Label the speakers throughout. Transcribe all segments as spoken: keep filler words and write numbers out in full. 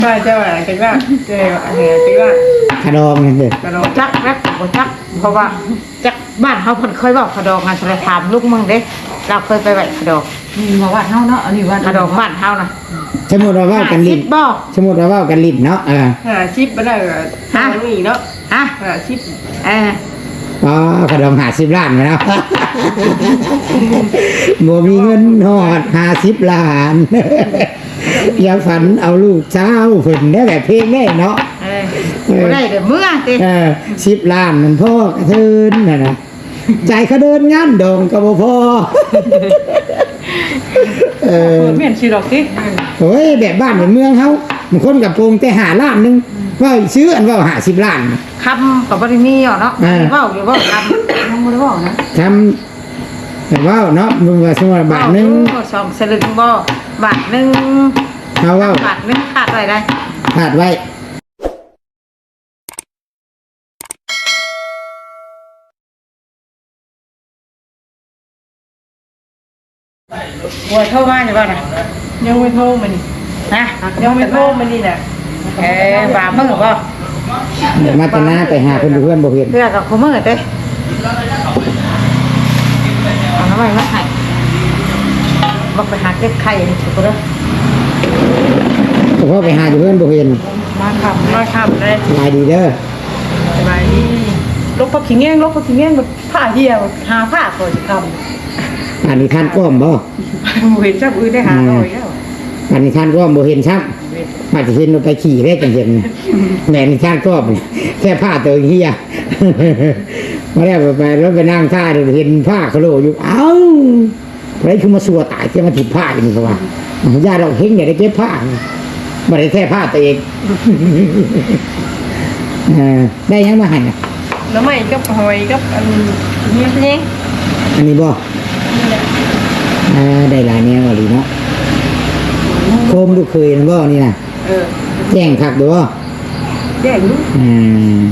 Speaker 1: ว่าเจ้าอะไรกันว่าเจ้าอะไรกันว่า
Speaker 2: ขะดองนี่เด้อก
Speaker 1: ระโดด
Speaker 3: จักแล้วบ่จักเพราะว่าจักบ้านเฮาเพิ่นเคยบอกขะดองงานสารถามลูกมึงเด้เราเคยไปไหว้ขะดอง
Speaker 4: นี่มาวัดเฮาเนาะอันนี้วัด
Speaker 3: ขะดองบ้านเฮานะ
Speaker 2: สมมุติว่าเว้ากันลิ้น
Speaker 3: สิบบ่
Speaker 2: สมมุติว่าเว้ากันลิ้นเนาะเออ
Speaker 1: หาชิปมาได้ก็ทางนี้เนาะ
Speaker 3: ฮะ
Speaker 1: หาชิป
Speaker 3: เออ
Speaker 2: อ๋อขะดองห้าสิบล้านมาแล้ว บ่มีเงินฮอดห้าสิบล้าน อย่าฝันเอาลูกเจ้าเพิ่นได้แบบเพลงได้เนาะ
Speaker 3: เออบ่ได้เด้อเมื่อติ
Speaker 2: เออสิบล้านมันพ่อกระเทินน่ะนะใจเขาเดินงานดองก็บ่พอ เออ
Speaker 4: เมียนชื่อดอกติ
Speaker 2: โอ้ยแบบบ้านแบบเมืองเฮาบางคนกับโปรงแต่หาล้านหนึงว่าซื้ออันว่าห้าสิบล้าน
Speaker 3: คำก็บ่ได้มีหรอกเนาะ
Speaker 2: เออ
Speaker 3: เว้าอยู่เว้าคำ
Speaker 4: ยังบ่ได้บอกนะ
Speaker 2: ทำแต่ว่าเนาะมึงว่าสมมุติว่าบาทหนึง
Speaker 3: เว้าสองสลึงบ่บาทหนึง
Speaker 2: เฮาเว้า
Speaker 3: บาทหนึงขาดอะไรได้
Speaker 2: ขาดไว้
Speaker 3: บัวโทรมาอยู่บ่น่ะ
Speaker 1: ยังไม่โทรมานี่
Speaker 3: ฮะ
Speaker 1: ยังไม่โทรมานี่น่ะ
Speaker 3: เออบ่ามือบ่
Speaker 2: เดี๋ยวมาตนาไปหาเพิ่นอยู่เพื่อนบ่เห็น
Speaker 3: เพื่อกับคุมือเด้เอาน้ำไว้มาให้บอกไปหาเก็บไข่ให้ถูกเด้อ
Speaker 2: เพราะไปหาอยู่เพื่อนบ่เห็น
Speaker 1: มาขับมาขับเลย
Speaker 2: สบายดีเด้อ
Speaker 1: สบายดีลบพักขิงแง่งลบพักขิงแง่งแบบผ้าเหี่ยวหาผ้าก่อนจะท
Speaker 2: อันนี้ท่านก้อมบ่
Speaker 1: ำเห็นจับอื่นได้หาหน่อยแล้ว
Speaker 2: อันนี้ท่านก้อมบ่เห็นชักอาจจะเห็นว่าไปขี่ได้จังเห็นแหน่นี่ท่านก้อมแค่ผ้าตัวเฮีย มาแล้วไปแล้วไปนั่งท่าเห็นผ้าเขาโลอยู่เอ้าไรคือมาสัวตายที่มาถิดผ้าอย่างนี้เขาว่าญาติเราเฮงอย่าได้เก็บผ้าบ่ได้แค่ผ้าตัวเอง เออได้ยังมาให้น่ะ
Speaker 1: แล้วไม่กับหอยกับอันนี้นี่
Speaker 2: อันนี้บ่เออได้หลายแนวอะลีเนาะโคมลูกเคยนั่นบ่นี่น่ะ
Speaker 1: เออ
Speaker 2: แจ้งคักดูบ่
Speaker 1: แย่งลูก
Speaker 2: อืม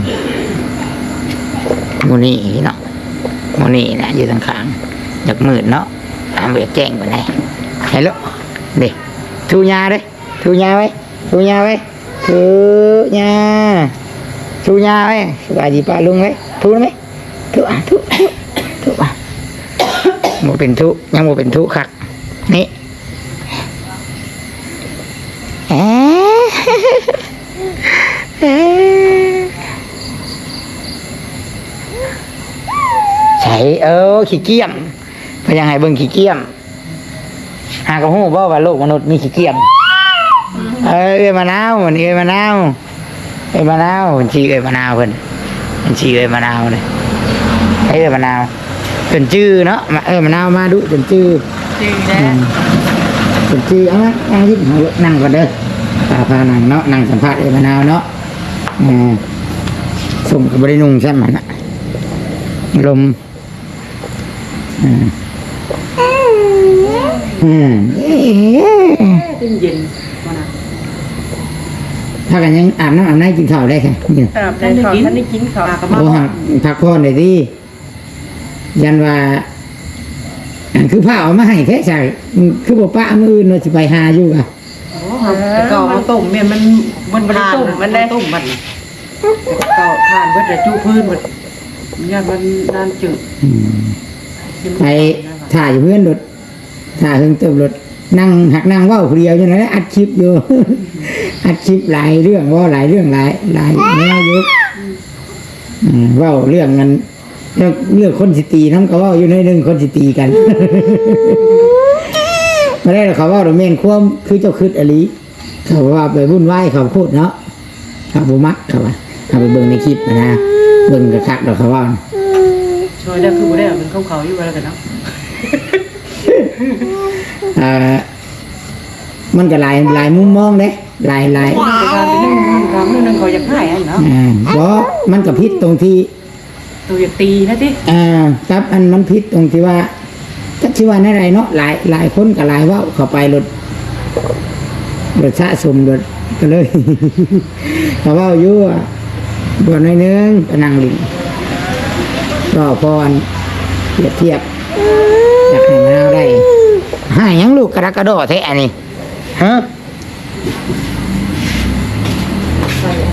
Speaker 2: โมนี่เนาะโมนี่นะอยู่ทางข้างจากมืดเนาะตามเบียแจ้งไปไหนเห็นแล้วเด็กทูยาเด้ทูยาไว้ทูยาไว้ทูยาทูยาไว้สบายดีป้าลุงไว้ทูไหมทูอ่ะทูทูทูอ่ะโมเป็นทูยังโมเป็นทูคักนี่เอ๊ะเอ๊ะใช่เออขี้เกียจพยังไงเบิ่งขี้เกียจหากระหู้บ่ว่าโลกมนุษย์มีขี้เกียจเออเอ้ยมะนาวมันเอ้ยมะนาวเอ้ยมะนาวมันชื่อเอ้ยมะนาวเพิ่นมันชื่อเอ้ยมะนาวเลยเอ้ยมะนาวเป็นชื่อเนาะมาเอ้ยมะนาวมาดูเป็นชื่อ
Speaker 1: จริงนะ
Speaker 2: เป็นชื่อเอาละเอาที่นั่งก่อนเด้อพาพานั่งเนาะนั่งสัมภาษณ์เอ้ยมะนาวเนาะอ่าส่งกับบรินุงใช่ไหมนะลมอืมอืม
Speaker 4: เย็นมานะ
Speaker 2: ถ้ากันยังอาบน้ำอาบน้ำกินข้าวได้ค่ะนี่
Speaker 1: อาบในเขาท่านได้กินเขา
Speaker 4: ก็มา
Speaker 2: โอ้หักพักผ่อนได้ดียันว่า คือผ้าเอามาให้แค่ใช่คือบอกป้ามืออื่นเราจะไปหาอยู่อ่ะ
Speaker 4: โอ้แต่ก็มาต้มเมียนมันมันบ่ได้ต้มมันได้ต้มมันก็ทานเบิดแต่จู้พื้นหมดญาติมันนานจืด
Speaker 2: อืมไปถ่ายอยู่เพื่อนรถถ่ายเพิ่งเติมรถนั่งหักนั่งเว่าคนเดียวอย่างนั้นอัดคลิปอยู่ อัดคลิปหลายเรื่องเว่าหลายเรื่องหลายหลายแนวอยู่อืมเว่าเรื่องนั้นเรื่องเรื่องคนสิตีน้ำก็เว่าอยู่ในเรื่องคนสิตีกัน ไม่ได้หรอกเขาเว่าเราเมนความคือเจ้าคืดอลีเขาว่าไปวุ่นวายเขาพูดเนาะเขาบุมักเขาว่าเอาไปเบิ่งในคลิปนะเบิ่งกระคักดอกเขาว่า
Speaker 4: ช่วยได้คือบ่ได้มันเข้าเขาอยู่แล้วกันเนาะ
Speaker 2: เอ่อมันก็หลายหลายมุมมองเด้หลายหลาย
Speaker 4: แต่การเป็นนึงครั้งนึงเขาอยากให้อันเนาะ
Speaker 2: อ่าเพราะมันก็พิษตรงที่
Speaker 4: ตัวอยากตีนะติ
Speaker 2: อ่าครับอันมันพิษตรงที่ว่าจักที่ว่าในไรเนาะหลายหลายคนกับหลายเว่าเข้าไปรถรถสะสมรถก็เลย เขาเว่าอยู่อ่ะบนในอยนึงไปนั่งลิงก็พรเปรียบเทียบอยากให้มันเอาได้ให้หยังลูกกระดักกระโดดแท้อันนี้ฮะ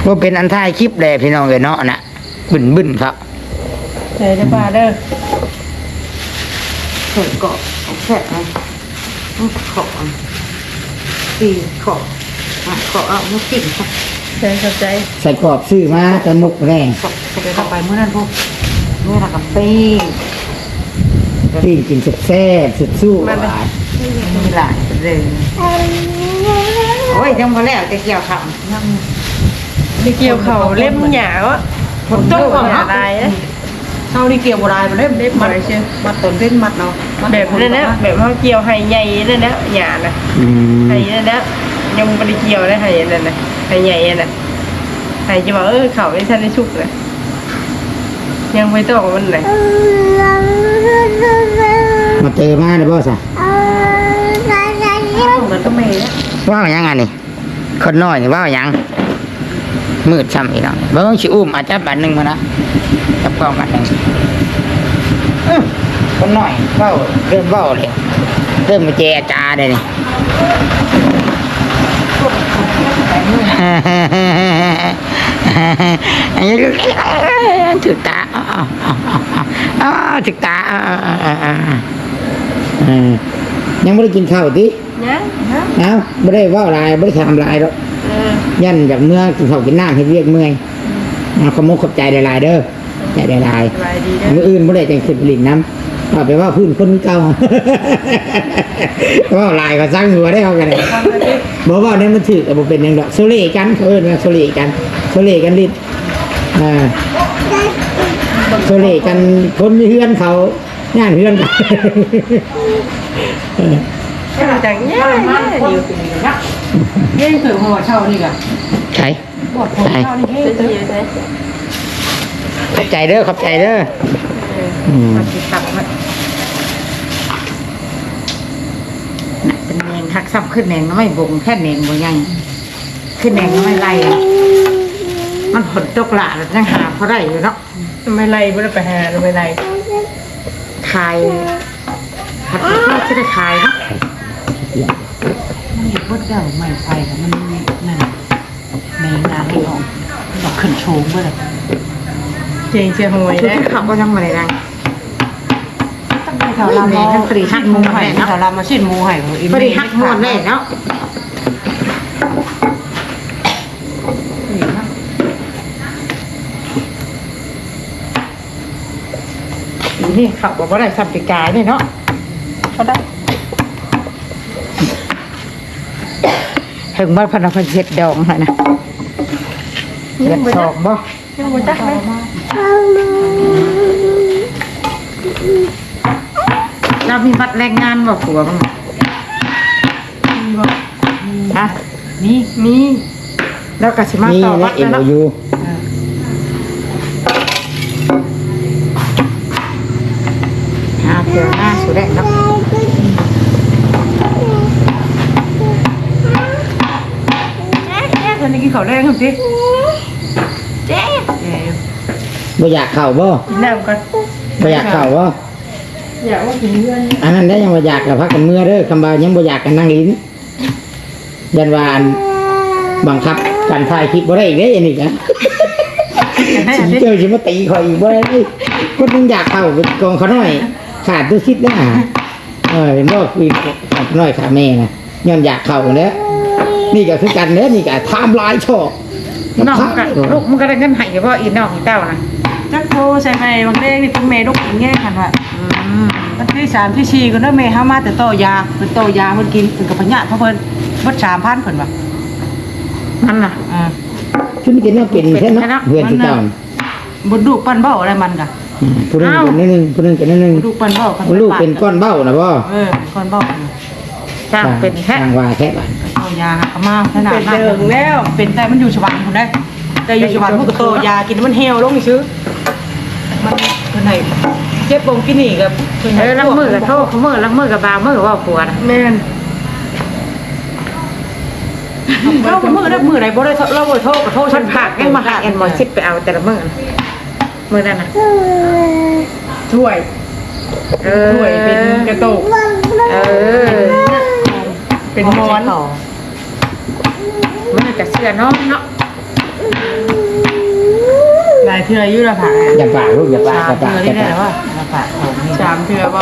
Speaker 2: ว่าเป็นอันท้ายคลิปเลยพี่น้องเลยเนาะนะบึ้นบึ้นครับ
Speaker 1: ใจจะบ้าเด้อ
Speaker 3: เสร็จก็แค่นั้นขอตีขอขอเอาไม่กินค่ะ
Speaker 1: ใจเข้าใจ
Speaker 2: ใส่กรอบซื้อมาตะมุกแรง
Speaker 3: ขอจะเข้าไปเมื่อนั้นพวกเมื่อไรกับปี
Speaker 2: ที่กินแซ่บๆสุดสู้หวาน
Speaker 3: มีหลายเลยโอ้ยยังพอแล้วจะเกี่ยวข่าวยัง
Speaker 1: มีเกี่ยวเขาเล่มหยาวอ่ะ
Speaker 3: ผมต้องก่อน
Speaker 1: ห
Speaker 3: เนาะ
Speaker 1: อะไรนะ
Speaker 4: เท่านี้เกี่ยวบ่ได้มันเล่ม
Speaker 1: เล่ม
Speaker 4: มัด
Speaker 1: อะไรเชื่อ
Speaker 4: มัดต้นเส้นมัดเนาะมัด
Speaker 1: แบบนั้นนะแบบเขาเกี่ยวไห้ใหญ่นั่นนะหยานะ
Speaker 2: อืม
Speaker 1: ไห้นั่นนะยังไม่ได้เกี่ยวนะไห้นั่นนะไห้ใหญ่น่ะไห้จะบอกเออเขาไม่ทันได้ชุกเลยยังไม่ต้องมันเลย
Speaker 2: มาเจอมาเด้อบ่ซะ
Speaker 4: เหมือนกับแม่นะ
Speaker 2: ว่าวหยังอันนี้คนน้อยนี่ว่าวหยังมืดซ้ำอีกแล้วบ่ต้องสิอุ้มอาจจะบาทหนึงมานะจับกล้องบาทหนึงอื้อคนน้อยเว้าเริ่มเว้าเลยเริ่มมาเจรจาได้นี่ อันนี้ก็ถึกตาอ๋ออ๋ออ๋อถึกตาอ๋ออ๋ออ๋อยังไม่ได้กินข้าวดิ
Speaker 1: นะนะ
Speaker 2: เอ้าไม่ได้ว่าอะไรไม่ได้ทำอะไรหรอก
Speaker 1: เออ
Speaker 2: ยันจากเมื่อกินข้าวกินน้ำให้เรียกเมื่อยเอาขโมยขอบใจหลายๆเด้อใจหลาย
Speaker 1: สบายดี
Speaker 2: ๆ
Speaker 1: นะ
Speaker 2: มืออื่นไม่ได้จังขึ้นผลิตน้ำเอาไปว่าพื้นคนเก่า ว่าลายก็สร้างหัวได้เอากันเลยบอกว่าเนี่ยมันถือแต่บ่เป็นอย่างดอกโซเล่กันเขาเอิ้นว่าโซเล่กันโซเล่กันลิ้นอ่าโซเล่กันคนมีเฮือนเขาย่านเฮือนกัน
Speaker 1: จังเนี่ยอยู่
Speaker 4: เฮ้ยคือหัวเช่านี่กะ
Speaker 2: ใช่
Speaker 4: บอดหัวเช่านี่เฮ้ย
Speaker 1: จะอยู่ไหน
Speaker 2: ขอบใจเด้อขอบใจเด้ออืม
Speaker 3: มันติดตับมันน่ะเป็นแนงหักซ้ำขึ้นแนงไม่บ่งแค่แนงบ่ยังขึ้นแนงไม่ไล่มันผลตกหลาแล้วยังหาเขาได้อยู่เนาะ
Speaker 1: ไม่ไล่ไม่ได้ไปหาไม่ไล่
Speaker 3: ขายผัดข้าวจะได้ขายเนาะ
Speaker 4: มันอยู่บนเจ้าไม่ไฟมันนั่นแมงนาให้ออกดอกขึ้นโชงไปเลย
Speaker 1: เจียงเจียหวย
Speaker 3: คือ
Speaker 1: นะ
Speaker 3: เขาก็ยังมาได้ได้
Speaker 4: ตั้งแต่แถวลำทั้งตรีหักมูไห่แถวลำมาชิ้นมูไห่ของอิน
Speaker 3: พอดีหักมวนได้เนาะ นี่เขาบอกว่าได้สัมปิกายนี่เนาะ
Speaker 1: เขาได้
Speaker 3: ถึงบ้านพนักงานเช็ดดองให้นะเด็ดสองบ่
Speaker 1: ยังไม่จักไหม
Speaker 3: เรามีบัตรแรงงานบ่ผัวมั้ง
Speaker 1: มีบ่
Speaker 3: ฮะ
Speaker 4: นี่
Speaker 1: มี
Speaker 3: แล้วก็สิมา
Speaker 2: นี่
Speaker 3: ต่อ
Speaker 2: นะ
Speaker 3: บัตร
Speaker 2: เอ็ม
Speaker 3: แล้ว
Speaker 2: โอ
Speaker 3: เนาะ
Speaker 2: ยู
Speaker 3: หาเที่ยวหน้าสุดแดงเนาะ
Speaker 4: ตอนนี้กินข้าวแรงครับสิ
Speaker 1: เจ๊
Speaker 2: บ่อยากเข่าบ่
Speaker 1: กินน้ำก่อน
Speaker 2: บ่อยากเข่าบ่
Speaker 1: อยากว่ากินเพื่อน
Speaker 2: อันนั้นได้ยังบ่อยากกับพักกันเมื่อเด้อคำบายังบ่อยากกันนั่งลิ้นยันวาอันบังคับการถ่ายคลิปบ่ได้อีกเด้ออันนี้กันสิเจอสิมาตีข่อยอีกบ่ได้เด้คนนึงอยากเข้าเป็นกองเขาน้อยขาดตัวคิดได้หาเออเห็นบ่คุยขาดน้อยขาแม่นะย้อนอยากเข้าแล้วนี่ก็คือกันเด้อนี่ก็ไทม์ไลน์ชอบ
Speaker 3: น้องก็ลูกมันก็ได้เงินให้บ่อีน้องของเจ้านะ
Speaker 4: จักโทใส่ไหมบางเด้งนี่เป็นเมย์ลูกกินแง่กันว่ะ
Speaker 3: อืม
Speaker 4: วันที่สามที่สี่ก็เด้อเมย์ห้ามาแต่โตยาเป็นโตยาเพิ่นกินเป็นกับพญะเพราะเพิ่นเบิดสามพันเพิ่นว่ะ
Speaker 3: นั่นน่ะ
Speaker 4: อ่า
Speaker 2: ชุดนี้ก็น่าเป็นแค่เนาะเพื่อนที่เก่า
Speaker 4: บนดูกปั้นเบ้าอะไรมันกะ
Speaker 2: อืมผู้หนึงเป็นนิดนึงผู้หนึงเป็นนิดนึง
Speaker 4: ดูกปั้นเบ้ากัน
Speaker 2: ลูกเป็นก้อนเบ้านะบ่
Speaker 4: เออเป็นก้อนเบ้า
Speaker 3: จ้างเป็นแค่
Speaker 2: ทางว่าแค่บ้าน
Speaker 4: โตยาหักมาขนาด
Speaker 1: เป็น
Speaker 4: นั้น
Speaker 1: เดิงแล้ว
Speaker 4: เป็นแต่มันอยู่ชวันคนได้แต่อยู่ชวันพวกโตยากินมันเหี่ยวลงนี่ซื้อมันเพิ่นให้เจ็บบงกินนี่กับเพิ่น
Speaker 3: เอ
Speaker 4: ให้
Speaker 3: อลังมือกับโทษเขามือลังมือกับบาวมือกับว่าผัวนะ
Speaker 1: แม่น
Speaker 4: เรามือได้มือไหนบ่ได้เราบ่โทษก็โทษ
Speaker 3: ฉันผักยังมาหักเอ็นหมอชิดไปเอาแต่ละมือนะมือนั่นน่ะ
Speaker 1: ถ้วย
Speaker 3: เออ
Speaker 1: ถ้วยเป็นกระโตก
Speaker 3: เออ
Speaker 1: เป็นมอน
Speaker 3: มือกับเสื้อน้องเนาะ
Speaker 1: ายเทื่ออยู่ละผ่า
Speaker 2: อย่าปากลูกอย่าปาก
Speaker 3: สา
Speaker 2: อ
Speaker 3: ม
Speaker 2: ย่า
Speaker 3: เทื่
Speaker 2: ปา
Speaker 3: อก นี่ได้
Speaker 2: อย่า
Speaker 3: แล้
Speaker 2: ปาว ก
Speaker 3: ว่ามาฝากของนี่
Speaker 1: สามเทื่อบ่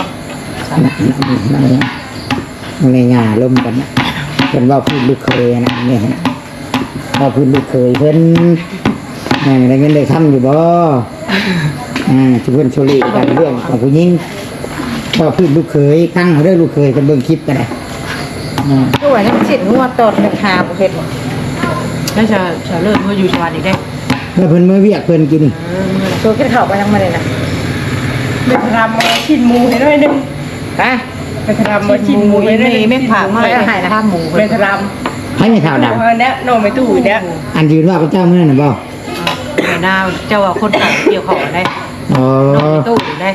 Speaker 2: มันในงาล่มกันนะเป็นว่าพูดลูกเคยนะเนี่ยว่าพูดลูกเคยเพิ่นอ่าได้เงินได้ทำอยู่บ่อ่าที่เพิ่นโชลีกันเรื่องของผู้หญิงว่าพูดลูกเคยตั้งเรื่องลูกเคยกันเบิ่งคลิปกันนะอ่า
Speaker 3: ด้วยน้ำสินงัวตอดหนึ่งหาประเภท
Speaker 4: แล้วจะจะเลิกเมื่ออยู่ชวานอีกได้
Speaker 2: แล้วเพิ่นเมื่อเวียกเพิ่นกิน
Speaker 3: ตัวขึ้นเข่าไปยังมาเลยนะ
Speaker 1: ไปทำมาชิ้นหมูให้ด้วยนึง
Speaker 3: ฮะ
Speaker 1: ไปทำมาชิ้นหมูให้ด้วย
Speaker 4: ไม่ไม่ผ่ามา
Speaker 3: ไม่ได้ให้นะ
Speaker 4: ข้ามหมู
Speaker 1: ไปท
Speaker 2: ให้ไม่
Speaker 1: ำ
Speaker 2: เท่าด
Speaker 1: เอาเนี้ยน้องไปตู้เนี้ย
Speaker 2: ำอันยืนว่าพระเจ้าเมื่อนั้นนะบ่
Speaker 4: หน้าเจ้าว่าคนขายเกี่ยวของได้
Speaker 2: อ๋อ
Speaker 4: น้องตู้ได้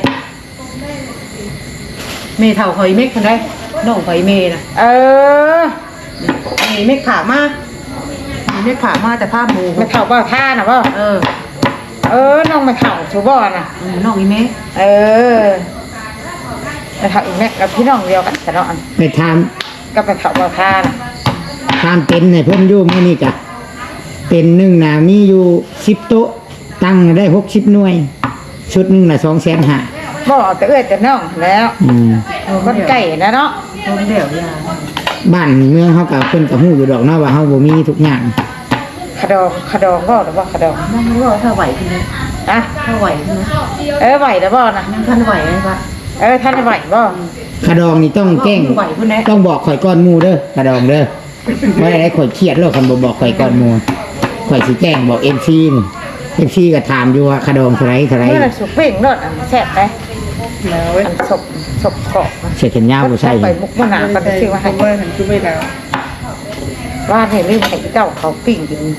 Speaker 4: เมย์เท่าคอยเมฆคนได้น้องคอยเมย์นะ
Speaker 3: เออ
Speaker 4: เมย์เมฆผ่ามาเมฆผ่ามาแต่ผ้าหมู
Speaker 3: ไม่เข่าบ่ท่านะบ่
Speaker 4: เออ
Speaker 3: เออน้องไม่เข่าถูบ่น่ะ
Speaker 4: น้องอีเมฆ
Speaker 3: เออไปเข่าอีกแม่กับพี่น้องเดียวกันแต่เนาะ
Speaker 2: ไปท
Speaker 3: ก็ไปเข่าบ่ท่าน่ะ
Speaker 2: ำทำเต็นท์ให้เพิ่นอยู่มื้อนี้จ้ะเต็นท์หนึงน่ะมีอยู่สิบโต๊ะตั้งได้หกสิบหน่วย ชุดหนึงน่ะสองแสนห้า
Speaker 3: บ่แต่เอื้อยแต่น้องแล้ว
Speaker 2: อืม
Speaker 3: คนไก่นะเนาะ
Speaker 4: ต้นเดี่ยวยา
Speaker 2: บ้านเมืองเขากับเพิ่นกับฮู้อยู่ดอกเนาะว่าเฮาบ่มีทุกอย่าง
Speaker 3: ขดองขดองบ่หรือบ่ขดอง
Speaker 4: น้องรู้ว่าถ้าไหวทีนี้
Speaker 3: อะ
Speaker 4: ถ้าไหวทีนี้
Speaker 3: เออไหวแล้วบ่น่ะ
Speaker 4: นั่งท่านไหวไหมปะ
Speaker 3: เออท่านไหวบ่
Speaker 2: กระดองนี่ต้องแกล้ง
Speaker 4: ไหวพุ่นแน่
Speaker 2: ต้องบอกข่อยก้อนหมู่เด้อกระดองเด้อบ่ได้ข่อยเครียดแล้วคันบ่บอกข่อยก้อนหมู่ข่อยสิแกล้งบอก เอ็ม ซี นี่ เอ็ม ซี ก็ถามอยู่ว่ากระดองเท่าไหร่เท่าไหร่
Speaker 3: เมื่อสุกเป่งรถอันแซ่บไป
Speaker 1: แล้ว
Speaker 3: อันศพศพเกาะ
Speaker 2: เสียเข็นยาวบ่ใช่
Speaker 3: ไปมุกมะนาวกันชื่อว่าให้
Speaker 1: เมื่อฉันคือไม่แล้ว
Speaker 3: ว่าให้ลืมให้เจ้าเขาปิ้งกิน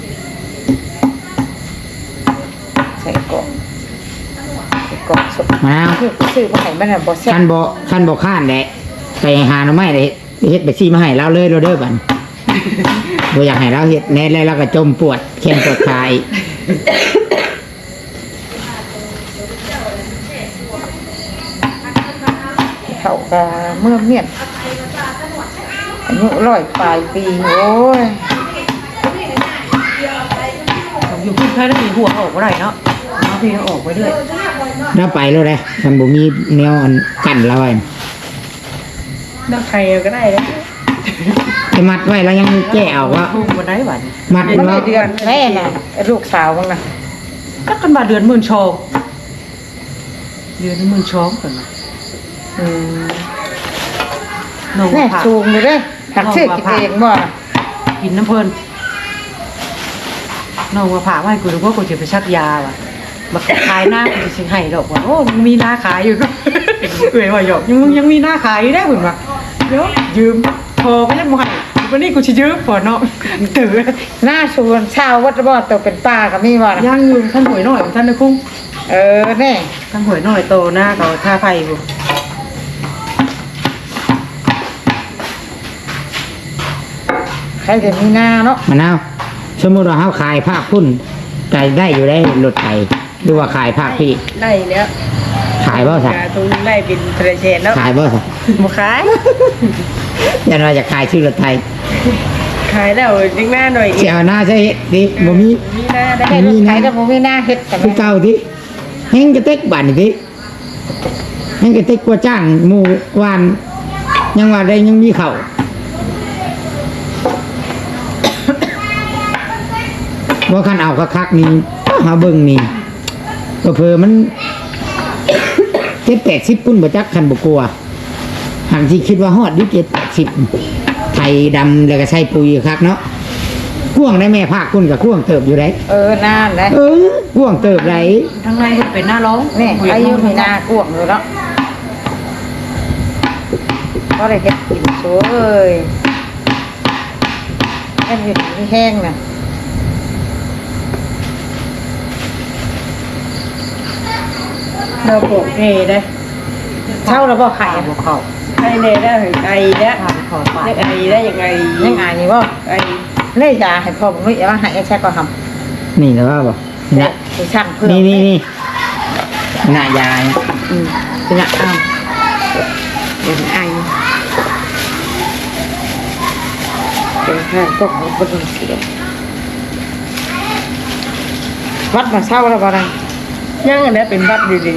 Speaker 3: ใส่เกาะใส่เกาะศพ
Speaker 2: มะนาว
Speaker 3: คือซื้อมาให้มันน่ะบ่แซ่
Speaker 2: คั
Speaker 3: บ
Speaker 2: นบ่คันบ่ค้านแหละไปหาหน่อไม้ได้เฮ็ดไปซี่มาให้เราเลยเราเด้อบัดบ่อยากให้เราเฮ็ดแน่แล้วเราก็จมปวดแข้งปวดขาอีก
Speaker 3: เขาก็เมื่อเมียนอายุร้อยปลายปีโอ้ย
Speaker 4: อยู่พุ่งแค่ได้มีหัวออกก็ได้เนาะน้องพี่ออกไปด้วย
Speaker 2: เราไปแล้วเลยคันบ่มีแนวอันกั้นเราไว้
Speaker 1: นักใครก็ได้นะ
Speaker 2: ไปมัดไว้แล้วยังแก้เอาว่า
Speaker 4: พุ่งมาได้หวัน
Speaker 2: มัด
Speaker 3: มัน
Speaker 2: เรา
Speaker 3: ได้เดือนแม่น่ะไอ้ลูกสาวมึงน่ะ
Speaker 4: ก็กันมาเดือนหมื่นชองเดือนหมื่นชองกันนะ
Speaker 3: อืม
Speaker 4: น้อง
Speaker 3: แม่
Speaker 4: ผัก
Speaker 3: สูงเลยเด้หักซื้อกินเองบ่น่ะ
Speaker 4: กินน้ำเพลินน้องมาผ่าให้กูรู้ว่ากูจะไปชักยาว่ะมาขายหน้ากูจะชิงให้ดอกว่าโอ้มึงมีหน้าขายอยู่ก็ เอ้ยว่าหยอกยังมึงยังมีหน้าขายอยู่ได้หุ่นว่ะเดี๋ยวยืมพอก็ยังไม่ให้วันนี้กูจะยืมพอเนาะตื่น
Speaker 3: หน้าชวนชาววัดบ่ตัวเป็นป้าก็มีบ่น่ะ
Speaker 4: ย่างยืมท่านหวยหน่อยท่านนะคุ้ง
Speaker 3: เออแน่
Speaker 4: ท่านหวยหน่อยโตหน้าเขาท่าไฟกู
Speaker 3: ใครจะมีหน้าเนาะ
Speaker 2: มะนาวสมมุติว่าเฮาขายภาคพุ่นใจได้อยู่ได้รถไถหรือว่าขายภาคพี่
Speaker 1: ได้เนี้ย
Speaker 2: ขายบ่ซะ
Speaker 1: ตรงได้เป็นเทรเชนแล้ว
Speaker 2: ขายบ่ซะ
Speaker 1: มาขาย
Speaker 2: ยันว่าจะขายชื่อรถไถ
Speaker 1: ขายแล้วดึงหน้าหน่อย
Speaker 2: สิเอาหน้าใช่ดิบ่มี
Speaker 1: มีหน้าได้
Speaker 3: ให้ลูกใครก็บ่มีหน้าเฮ็ดกัน
Speaker 2: คือเก่าติแฮงกระเต็กบาดนี่ติแฮงกระเต็กกว่าจ้างหมู่วานยังว่าได้ยังมีเข้าว่าคันเอาคักๆนี่หาเบิ่งนี่ก็เพิ่มันเจ็ดแปดสิบปุ้นบ่จักคันบ่กลัวหันที่คิดว่าฮอดอยู่เจ็ดแปดสิบไทยดำแล้วก็ใส่ปุ๋ยคักเนาะพ่วงได้แม่ภาคคุณกับพ่วงเติบอยู่ได้
Speaker 3: เออนานนะ
Speaker 2: เออพ่วงเติบไร
Speaker 4: ทั้งในก็เป็นหน้าร้อง
Speaker 3: นี่อายุมีหน้ากวงอยู่เนาะก็เลยเฮ็ดกินโซ่เอ้ยแค่เห็ดที่แห้งน่ะ
Speaker 1: เราปลูกเนได้
Speaker 3: เช่าแล้วบ่ไข่
Speaker 4: ขา
Speaker 3: อะ
Speaker 4: บวเขา
Speaker 1: ให้เนได้ไอได้
Speaker 4: ขาบเขาปา
Speaker 1: ไอได้ยังไง
Speaker 3: ยังไงนี่บ่
Speaker 1: ไอ
Speaker 3: เลยยาให้พ่อผมนุ้ยเอามาให้แช่ก็ทำ
Speaker 2: นี่แล้วว่าบ่นี่
Speaker 3: ไปช่างเพื่อ
Speaker 2: นี่นี่นี่หน้ายาย
Speaker 3: อืมเป็นอะอ้าวเป็นไอเป็นแค่ตกของคนเสียวัดมาเช่าแล้วบ่ได้
Speaker 1: ยยังอันนี้เป็นบัดดี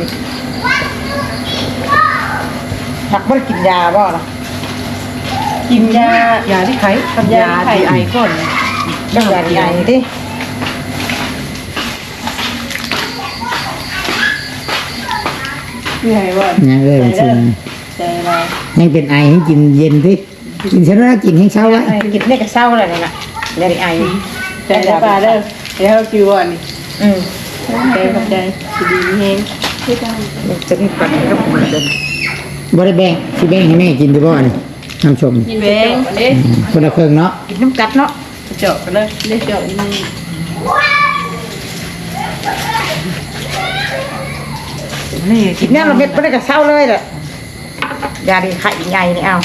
Speaker 3: หักบ่ได้กินยาบ่ล่ะ
Speaker 1: ๆกินยาย
Speaker 4: าที่ไข้กับยาที่ไอก่อน
Speaker 3: จังหวะใหญ่ดิ
Speaker 1: เหนื่อยว่ะ
Speaker 2: ยังเลยจริง
Speaker 1: ใจเรา
Speaker 2: ยังเป็นไอให้กินเย็นสิกินเช้าแล้วกินให้เช้าไว้
Speaker 3: กินได้ก็เศร้าแล้วนี่น่ะได้ไอ
Speaker 1: ใจจะปลาเด้อเดี๋ยวคิวอ่ะนี่
Speaker 3: อืม
Speaker 1: ใจขอบใจสิดีเฮง
Speaker 3: จะมีปัญหากับมันเดิน
Speaker 2: บ่ได้แบ่งสิแบ่งให้แม่กินดีบ่นี่น้ำชม
Speaker 1: กินแบงอันนี้
Speaker 2: คนละเครื่องเนาะ
Speaker 3: กินน้ำกัดเนาะ
Speaker 1: เจาะกันเลยได้เจาะนี่
Speaker 4: นี่
Speaker 3: กิ
Speaker 4: กิ
Speaker 3: น
Speaker 4: น
Speaker 3: เนี่ยเราเม็ดบ่ได้ก็เศร้าเลยแหละยาดีไข่ใหญ่นี่เอา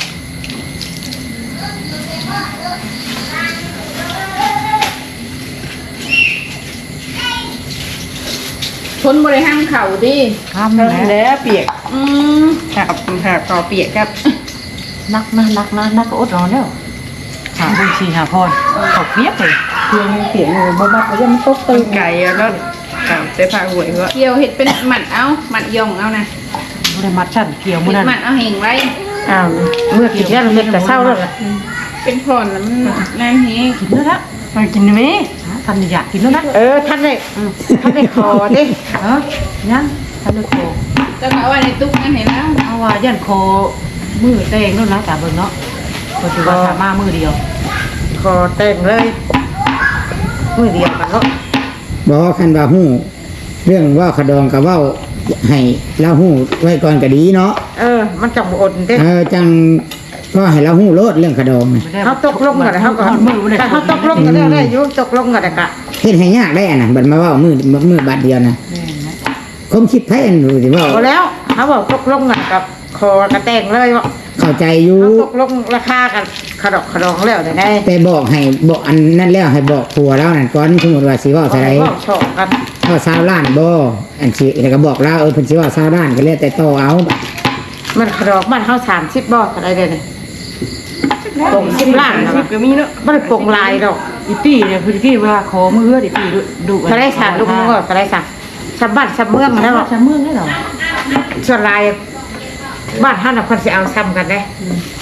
Speaker 5: คนบริห้ามเข่าดิ
Speaker 4: ข้าม
Speaker 1: แล้
Speaker 4: แล้ว
Speaker 1: วเปียก
Speaker 5: อืม
Speaker 1: หักหักต่อเปียกครับ
Speaker 4: นักนะนักนะนักก็อดนอนแล้วหาบุญชีหาพรเขาเปียกเลย
Speaker 1: เพียงเปียกเลยบ่บักยังตกตึงไก่แล้วกับเสื้อผ้าหวยก็
Speaker 5: เกี่ยวเห็ดเป็นหมัดเอาหมัดยองเอานะ
Speaker 4: บ่ได้มัดชั้นเกี่ยว
Speaker 5: เห็
Speaker 4: มื้อ
Speaker 5: ด
Speaker 4: นั้น
Speaker 5: หมัดเอาเห่งไว้
Speaker 3: อ้าวเมื่อกินเนี่ยเราเม็ดก็เศร้าแล้วล่ะ
Speaker 5: เป็นผ่อนแล้วมันนั่นเฮง
Speaker 4: กินแล้วละ
Speaker 1: ไปกินไหม
Speaker 4: ทันอยากกินแล้วละ
Speaker 3: เออท่านได้ท่านได้คอดิ
Speaker 4: เออยังทันได้โค
Speaker 5: จะเอาไว้ในตุ๊กนั่นเห็นแล้ว
Speaker 4: เอาว่ายันโคมือแตงนู่นนะตาเบิ่งเนาะก็ถือว่าสามารถมือเดียว
Speaker 3: คอเต้นเลยมือเดียวกันเนาะ
Speaker 2: บ่คันว่าฮู้เรื่องว่าขะดองกับเว้าให้เราฮู้ไว้ก่อนก็ดีเนาะ
Speaker 3: เออ มันจังบ่อดเด้
Speaker 2: เออจังก็ให้เราฮู้โลดเรื่องขะดองนี่
Speaker 3: เขาตกลงกันเขาก็
Speaker 4: มือบ่ได้
Speaker 3: แต่เขาตกลงกันได้ได้อยู่ตกลงกันได้กะ
Speaker 2: เฮ็ดให้ยากได้อันน่ะบัดมาเว้ามือมือบาดเดียวนะความคิดไผอันรู้สิเว้า
Speaker 3: พอแล้วเขาบอกตกลงกันกับคอกระแตงเลยว่า
Speaker 2: เข้าใจอยู่
Speaker 3: เขาตกลงราคากันขดอกขดองแล้วได้ได้
Speaker 2: แต่บอกให้บอกอันนั้นแล้วให้บอกผัวแล้วนั่นก่อนสมมุติว่าสิเว้าเท่าใด
Speaker 3: บอกชอบกัน
Speaker 2: ก็ซาวล้านบ่อันสิแล้วก็บอกเราเออเพิ่นสิว่าซาวล้านก็แล้วแต่ต่อเอา
Speaker 3: มันขดอกมันเขาสามสิบบ่อะไรเด้เนี่ยปงสิบล้านนะ
Speaker 1: สิบก็มีเนาะ
Speaker 3: ไม่ได้ปงลายดอก
Speaker 4: อีปี้เนี่ยคือกี้ว่าขอมือเฮืออีปี้ดุ
Speaker 3: เขาได้สามลูกมือเขาได้สามชาวบ้านชาวเมืองแล้ว
Speaker 4: ชาเมืองได้หรอ
Speaker 3: ส่วนลายบ้านท่านน่ะคนสิเอาซ้ำกันได้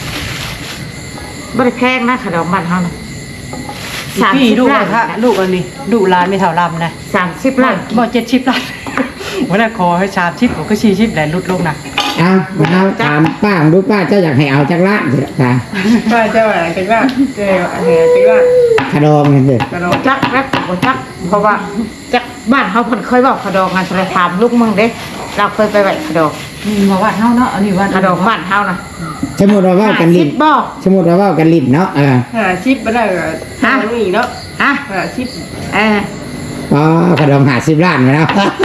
Speaker 3: ไม่ได้แพงนะขดอกบ้านเขาน่ะ
Speaker 4: อี
Speaker 3: สาม
Speaker 4: ปี้
Speaker 3: สิบ
Speaker 4: ลูก
Speaker 3: ล้าน
Speaker 4: ค่ะลูกอันนี้ดุลานไม่เท่าลำนะ
Speaker 3: สามสิบล้าน
Speaker 4: บ่เจ็ดชิปล้านวันนั้นขอให้ชามชิปผมก็ชี้ชิปแหละลุดลงนะ
Speaker 2: เอาเอาถามป้าของดูป้าเจ้าอยากให้เอาจักล้านสิล่ะค่ะ
Speaker 1: ป้าเจ้าอะไรกันว่าเจ้าอะไรกันว่า
Speaker 2: ขะดองนั่นเด้อก
Speaker 1: ระโดด
Speaker 3: จักรักบ่จักเพราะว่าจักบ้านเขาเพิ่นเคยบอกขดอกงานทะเลถามลูกมึงเด้เราเคยไปไหวขดอก
Speaker 4: นี่มาวัดเฮาเนาะอันนี้วัด
Speaker 3: ขดอกบ้านเฮานะ
Speaker 2: สมมุติว่าเว้ากันลิ้น
Speaker 3: ห้สิบบ่
Speaker 2: สมมุติว่าเว้ากันลิ้นเนาะเออ
Speaker 1: หาชิปมาได้ก็หามีเนาะ
Speaker 3: ฮะ
Speaker 1: หาชิป
Speaker 3: เออ
Speaker 2: อ๋อขะดองห้าสิบล้านมาแล้ว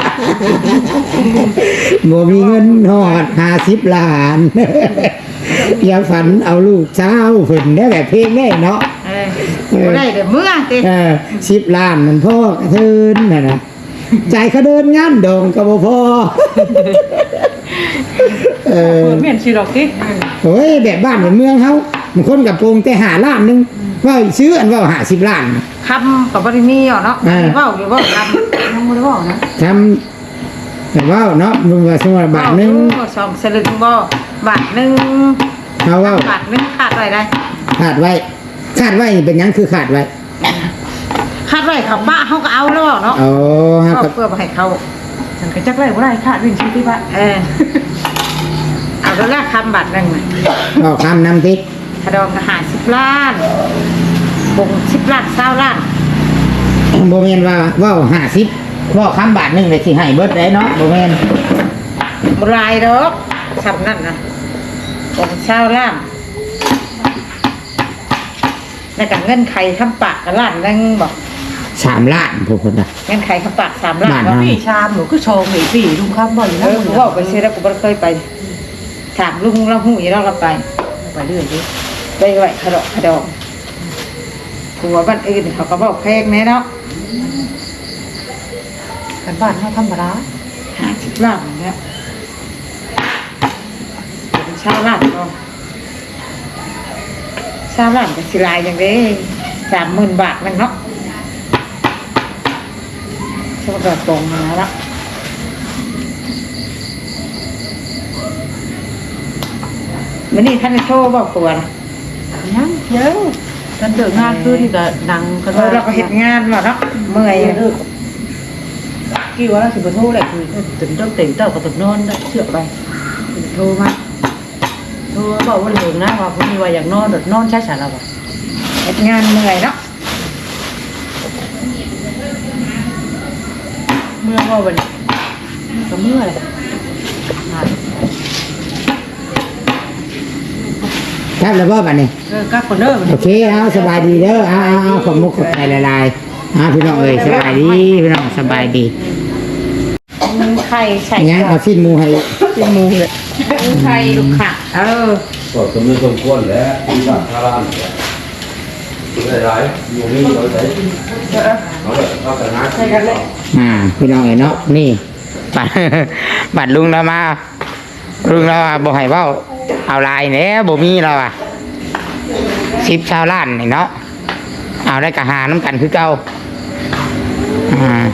Speaker 2: บ่มีเงินฮอดห้าสิบล้าน อย่าฝันเอาลูกเช้าเพิ่นได้แบบเพลงได้เนาะ
Speaker 3: เออบ่ได้เด้อเมื่อติ
Speaker 2: เออสิบล้านมันพ่อกระเทินน่ะนะใจายเขาเดินงานดองก็บ่พอ เออ
Speaker 4: เมียนชีดอกติ
Speaker 2: โอ้ยแบบบ้านแบบเมืองเฮาบางคนกับโปรงแต่หาล้านหนึงว่าซื้ออันว่าหาสิบล้าน
Speaker 3: คำก็บ่ได้มีหรอกเนาะ
Speaker 2: เออ
Speaker 3: เว้าอยู่เว้าคำ
Speaker 4: ยังบ่ได้บอกนะ
Speaker 2: ทำแบบว่าเนาะมึงว่าสมมุติว่าบาทหนึง
Speaker 3: เว้าสองสลึงบ่บาทหนึง
Speaker 2: เฮาเว่า
Speaker 3: บาทหนึงขาดไว้ได้
Speaker 2: ขาดไว้ขาดไว้นี่เป็นหยังคือขาดไว้
Speaker 3: ขาดไว้เขาป้าเฮาก็เอาแล้วเนาะ
Speaker 2: อ๋อฮะ
Speaker 3: เอา
Speaker 2: กับ
Speaker 3: เพื่อบ่ให้เขา
Speaker 4: ฉันก็จักไว้บ่ได้ค่ะวิ่งชีที่บ้าน
Speaker 3: เออเอาแล้วแรกคำบาทหนึงน่ะ
Speaker 2: บอกคำนำติ
Speaker 3: ขดองก็ห้าสิบล้านบงสิบล้านเก้าล้าน
Speaker 2: บ่แม่นว่าเว้าห้าสิบเว้าคำบาทหนึงเลยสิให้เบิดได้เนาะบ่แม่น
Speaker 3: บ่หลายดอกคำนั้นน่ะบงเก้าล้านแล้วก็เงินไขคำปากก็ล้านหนึงบอก
Speaker 2: สามล้านพวกคนน่ะ
Speaker 3: เงินไขคำปากสามล้าน
Speaker 2: บ้าน
Speaker 3: เนาะ
Speaker 4: พี่ชามหนูก็โชว์อีปี้ลุงครับบ่อยู่
Speaker 3: เอ
Speaker 4: นะ
Speaker 3: อกูเว่าไปซื้อแล้วกูบ่เคยไปถามลุงเราหูอยู่แล้วเราไป
Speaker 4: ไปเรื่อยดิ
Speaker 3: ไปไหวขดอกขดองผัวบ้านอื่นเขาก็บอกแพงแน่เนาะ
Speaker 4: กันบ้านเฮาธรรมดา
Speaker 3: ห้าสิบล้านอย่างเงี้ยเป็นชาวล้านก็ชาวล้านกับสิลายอย่างเด้สามหมื่นบาทมันเนาะชาวกระตรงมาแล้ววันนี้ท่านได้โทรบอกตัวนะ
Speaker 4: ยังยังกันเดินงานขึ้นก็ดังกัน
Speaker 3: เออเราก็เห็นงานว่ะเนาะเมื่อย
Speaker 4: เออกี่วันแล้วสิบโทรเลยคือตื่นต้องตื่นเต้าก็ตื่นนอนได้เชื่อไปโทรมาโทรบอกว่าเหลืองนะว่าพอดีว่าอยากนอนนอนใช้สารเรา
Speaker 3: เห็นงานเมื่อยเนาะ
Speaker 4: เมื่อว่าวันก็เมื่อเลย
Speaker 2: ครับแล้วบ่บัดนี้
Speaker 4: เออกับคนเด้อ
Speaker 2: โอเคเอาสบายดีเด้อเอาเอาเอาขอบมุกขอบใจหลายๆเอาพี่น้องเอ้ยสบายดีพี่น้องสบายดี
Speaker 3: มันไข่ใส่
Speaker 2: งั้นเอาสิ้นหมูให้สิ้นหมูเลย
Speaker 3: ไข่ลูกค่ะเออ
Speaker 6: ก็สมมติสมควรแล้วที่บ้านท่าร้านเนี่ยได้หลายอยู่นี่เราใช้เขาเลยเขาแต่งงานใช่กันเลย
Speaker 2: อ่าพี่น้องเอ้ยเนาะนี่บัด บัดลุงเรามาลุงเราว่าบ่ให้เว้าเอาลายแหน่บ่มีเราอ่ะสิบชาวล้านนี่เนาะเอาได้กะหาน้ำกันคือเก่าอ่า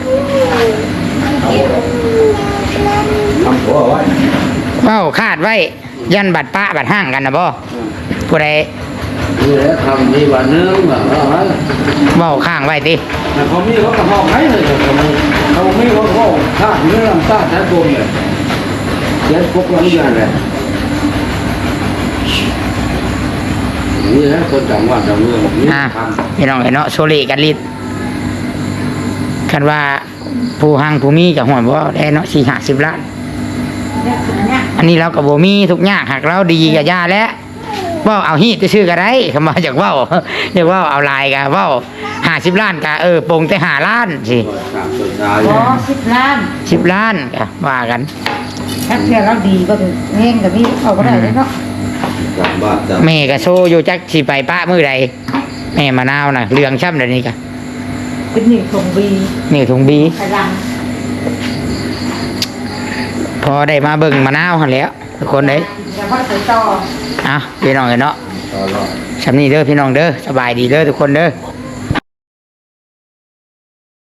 Speaker 6: ทำหัวไว้
Speaker 2: เว้าคาดไว้ยันบัดป้าบัดห้างกันนะบ่ผู้ใด
Speaker 6: นี่แหละทำมีวันนึงแบบว่า
Speaker 2: เว้าข้างไว้ติ
Speaker 6: แต่เขามีเขากระห้องไหนเลยเขาไม่เขาไม่เขาเขาข้าเนื้อลำต้าแท้ตัวเนี่ยเย็นพวกเราอย่างไรนี่แหละคนจังหวัดจังเมืองนี่
Speaker 2: อ่า
Speaker 6: ทำ
Speaker 2: พี่น้องเอ้ยเนาะโซเลกันลิดคันว่าผู้หังผู้มีกับหัวบ่ได้เนาะสี่ห้าสิบล้าน
Speaker 3: เนี่ยเนี่ย
Speaker 2: อันนี้เรากับโบมีทุกอย่างหากเราดีกับยาแล้วเว่าเอาฮีดจะชื่อกันได้คำว่าจากเว่า อยากเว่าเอาลายกันว่าห้าสิบล้านกะเออปงแต่หาล้านสิ
Speaker 6: ตามตัวชาย
Speaker 3: อ๋อสิบล้าน
Speaker 2: สิบล้านกะว่ากัน
Speaker 3: ถ้าเพื่อเราดีก็ถึงเงี้ยกับพี่เอาก็ได้เลยเนาะ
Speaker 6: จังบ้านจัง
Speaker 2: แม่กะโซอยู่จักสิไปป้ามือใดแม่มะนาวน่ะเรืองช่ำเดี๋ยวนี้กะ
Speaker 3: เป็นหนึ่งทงบี
Speaker 2: นี่ถุงบี
Speaker 3: พลัง
Speaker 2: พอได้มาเบิ่งมะนาวหันแหล้วทุกคนเลย
Speaker 3: แต่ว่าใส่ต่อ
Speaker 2: อ่ะพี่น้องเอ้ยเนาะ
Speaker 6: ต่อรอด
Speaker 2: สำนี้เด้อพี่น้องเด้อสบายดีเด้อทุกคนเด้อ